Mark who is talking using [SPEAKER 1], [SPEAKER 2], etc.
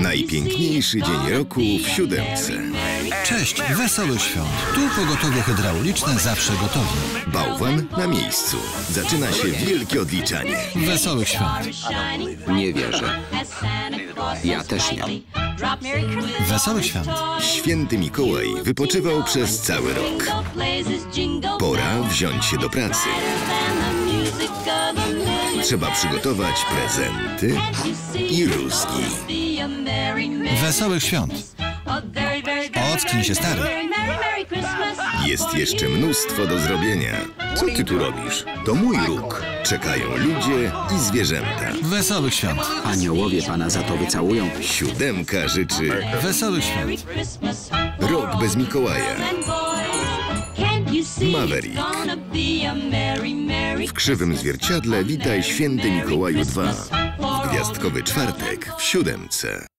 [SPEAKER 1] Najpiękniejszy dzień roku w siódemce.
[SPEAKER 2] Cześć, wesołych świąt. Tu pogotowie hydrauliczne zawsze gotowi.
[SPEAKER 1] Bałwan na miejscu. Zaczyna się wielkie odliczanie.
[SPEAKER 2] Wesołych świąt.
[SPEAKER 3] Nie wierzę. Ja też nie.
[SPEAKER 2] Wesołych świąt.
[SPEAKER 1] Święty Mikołaj wypoczywał przez cały rok. Pora wziąć się do pracy. Trzeba przygotować prezenty i rózgi.
[SPEAKER 2] Wesołych świąt. Ocknij się, stary.
[SPEAKER 1] Jest jeszcze mnóstwo do zrobienia. Co ty tu robisz? To mój róg. Czekają ludzie i zwierzęta.
[SPEAKER 2] Wesołych świąt.
[SPEAKER 3] Aniołowie pana za to wycałują.
[SPEAKER 1] Siódemka życzy
[SPEAKER 2] Wesołych świąt.
[SPEAKER 1] rok bez Mikołaja. Maverick. W krzywym zwierciadle witaj Święty Mikołaju 2. W gwiazdkowy czwartek w siódemce.